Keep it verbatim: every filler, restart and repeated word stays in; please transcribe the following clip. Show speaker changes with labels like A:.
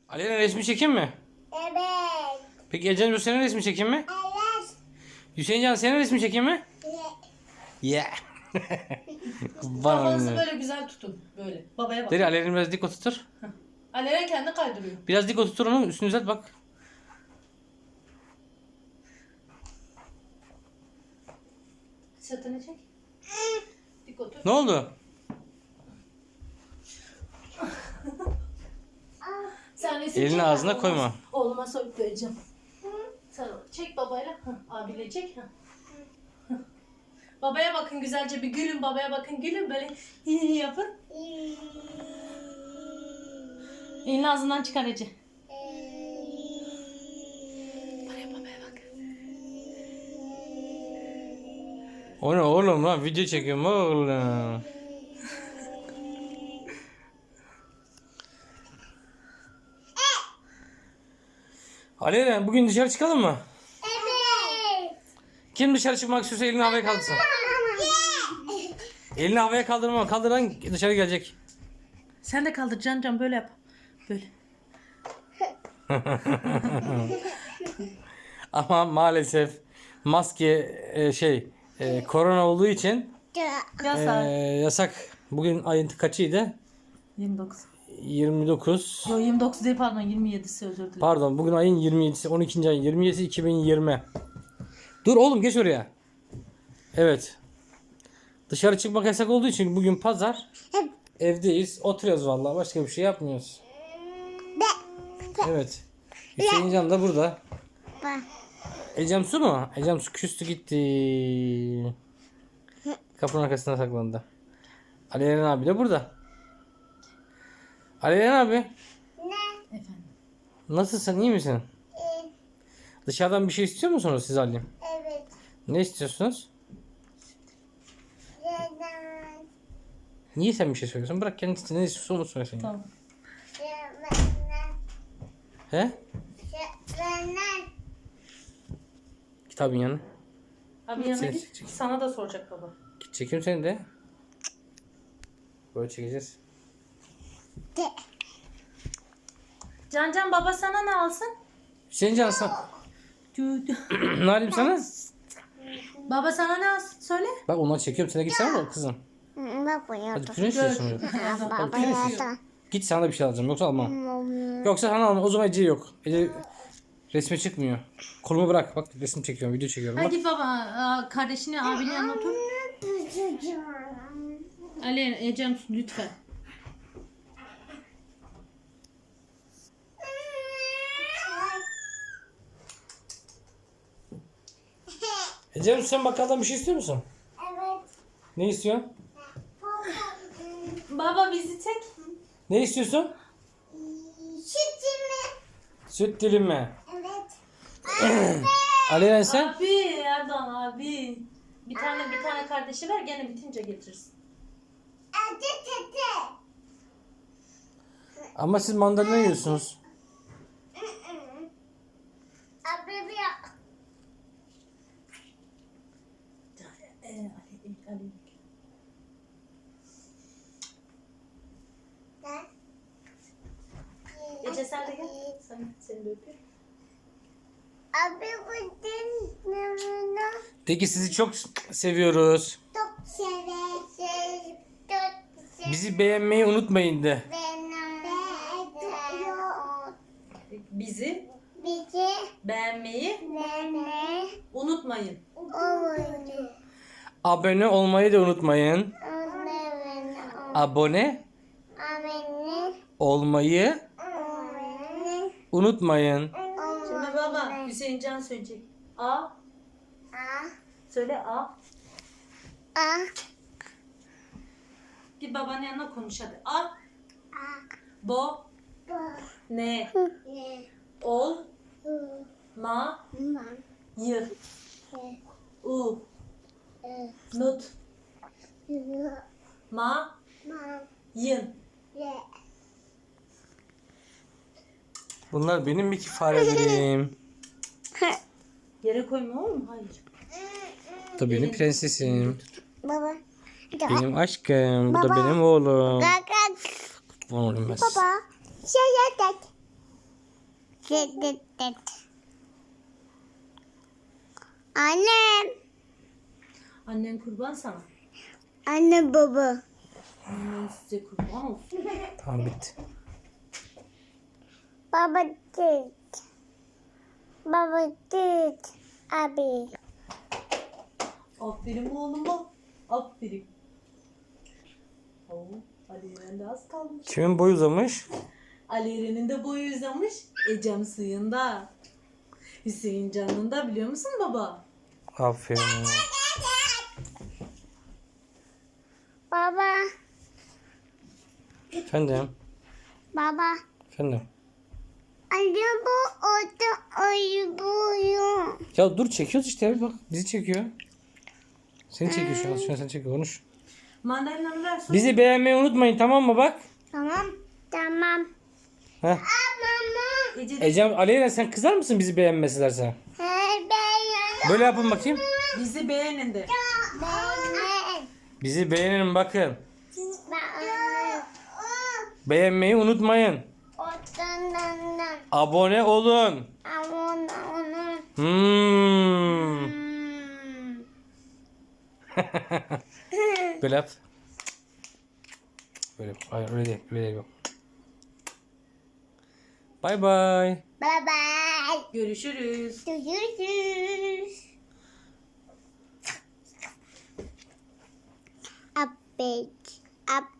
A: Aleyna resmi çekeyim mi?
B: Evet.
A: Peki Ecem bu senin resmi çekeyim mi?
B: Evet.
A: Hüseyincan senin resmi çekeyim mi? Yeah. Bana
C: Kafanızı
A: ne?
C: böyle güzel tutun. Böyle. Babaya bak.
A: Deri Aleyna biraz dik oturtur.
C: Aleren kendi kaydırıyor.
A: Biraz dik oturtur onu, üstünü düzelt bak.
C: Sırtını çek. Dik otur.
A: Ne oldu?
C: Sen resim
A: Elini
C: çek,
A: ağzına
C: ben
A: koyma.
C: oğluma- Oğluma soyup vereceğim. Sen çek babayla. Hı, abiyle çek. Hı. Hı. Babaya bakın güzelce bir gülün. Babaya bakın gülün. Böyle yapın. Elini ağzından çıkar Ece. Babaya babaya bak.
A: O ne oğlum lan, video çekiyorum oğlum. Aleyna bugün dışarı çıkalım mı?
B: Evet.
A: Kim dışarı çıkmak istiyorsa elini havaya kaldırsın. Elini havaya kaldırma, kaldıran dışarı gelecek.
C: Sen de kaldır Can Can böyle yap. Böyle.
A: Ama maalesef maske e, şey e, korona olduğu için e,
C: Yasak.
A: yasak. Bugün ayın kaçıydı?
C: yirmi dokuz.
A: yirmi dokuz.
C: Yo yirmi dokuz değil pardon yirmi yedisi özür dilerim.
A: Pardon, bugün ayın yirmi yedisi, on ikinci ayın yirmi yedisi iki bin yirmi. Dur oğlum, geç oraya. Evet. Dışarı çıkmak yasak olduğu için bugün pazar. Evdeyiz. Oturuyoruz vallahi. Başka bir şey yapmıyoruz. Evet. Hüseyincan da burada. Ecem Su mu? Ecem Su küstü gitti. Kapının arkasına saklandı. Aleyna abi de burada. Aleyna abi.
C: Efendim.
A: Nasılsın? İyi misin? Dışarıdan bir şey istiyor musunuz siz Ali?
B: Evet.
A: Ne istiyorsunuz?
B: Neden?
A: Niye sen bir şey söylüyorsun? Bırak kendisi ne istiyorsa onu söylesin.
C: Tamam.
A: He? Kitabın yanına.
C: Abi yanına
A: Çek,
C: git.
A: çek.
C: Sana da soracak baba.
A: Git çekeyim seni de. Böyle çekeceğiz.
C: Can Can baba sana ne alsın?
A: Hüseyincan sen...
C: Tü- tü.
A: Ne alayım sana?
C: Baba sana ne alsın söyle.
A: Bak onları çekiyorum. Sen de gitsene de kızım.
B: Baba
A: Hadi
B: yaptı.
A: küçük istiyorsun.
B: Baba yaptı.
A: Git sana da bir şey alacağım. Yoksa almam. Yoksa sana almam. O zaman Ece yok. Ece resme çıkmıyor. Kolumu bırak. Bak resim çekiyorum. Video çekiyorum.
C: Hadi
A: Bak.
C: git baba aa, kardeşini abinin yanına otur. Ali Ecem lütfen.
A: Ece sen bakkaldan bir şey istiyor musun?
B: Evet.
A: Ne istiyorsun?
C: Baba bizi çek.
A: Ne istiyorsun?
B: Sütümü.
A: Süt dilimi.
B: Evet.
A: Aleyna sen?
C: Abi Erdoğan abi. Bir tane bir tane kardeşi ver gene bitince getirsin.
B: Adı tete.
A: Ama siz mandalina yiyorsunuz.
B: Abi bir
C: Ee, Ali, Ali. Ece sen de gel. Sen, seni de öpüyorum.
B: Abi bu dinlemini
A: De ki sizi çok seviyoruz.
B: çok sever. Çok sever.
A: Bizi beğenmeyi unutmayın de.
B: Benim
C: Bizi
B: bizi
C: beğenmeyi
B: beni
C: unutmayın.
B: oyunu.
A: Abone olmayı da unutmayın.
B: Onların
A: Abone
B: abini
A: olmayı
B: oyunu.
A: unutmayın.
C: Şimdi baba Hüseyin Can söyleyecek. A.
B: A
C: Söyle A.
B: A
C: Git babanın yanına konuş hadi. A.
B: A
C: Bo.
B: bu
C: Ne.
B: ne
C: Ol.
B: u
C: Ma.
B: ma
C: Y.
B: e
C: U.
B: e
C: Nut.
B: yu
C: Ma.
B: ma
C: Yın.
B: ye
A: Bunlar benim bir farelerim.
C: Yere koyma olur mu? Hayır.
A: Bu da benim prensesim.
B: baba
A: Benim aşkım. Bu da
B: Baba.
A: benim oğlum.
B: Kaka
A: Oğlum ben.
B: baba şey yaptık Dıt dıt dıt. Annem.
C: Annen kurban sana.
B: Anne baba.
C: Annen size kurban olsun.
A: Tamam bitti.
B: Baba dıt. Baba dıt. Abi.
C: Aferin oğluma. Aferin. Oo, Ali Eren de az kalmış.
A: Kimin boyu uzamış?
C: Ali Eren'in de boyu uzamış. Ecem suyunda. Hüseyin canında biliyor musun baba?
A: Aferin.
B: Baba.
A: Efendim.
B: Baba.
A: Efendim.
B: Araba orada ayırıyor.
A: Ya dur çekiyoruz işte abi bak bizi çekiyor. Seni çekiyor şu an. Şu an seni çekiyor. Konuş.
C: Mandalinaları ver. sonra-
A: Bizi beğenmeyi unutmayın tamam mı bak.
B: Tamam. Tamam.
A: Heh.
B: Mama.
C: Ece de
A: Ecem Aleyna sen kızar mısın bizi beğenmeselerse?
B: Hey ben.
A: Böyle yapın bakayım.
C: bizi beğenin de.
B: Ben.
A: Bizi beğenin bakın.
B: Ben.
A: Beğenmeyi unutmayın.
B: Otandan.
A: Abone olun.
B: Aman onun.
A: Hmm.
B: Hmm.
A: Böyle yap. Böyle yap. Hayır öyle değil. Öyle değil. Yok. Bye bye.
B: Bye bye.
C: Görüşürüz.
B: Görüşürüz. Update. Up.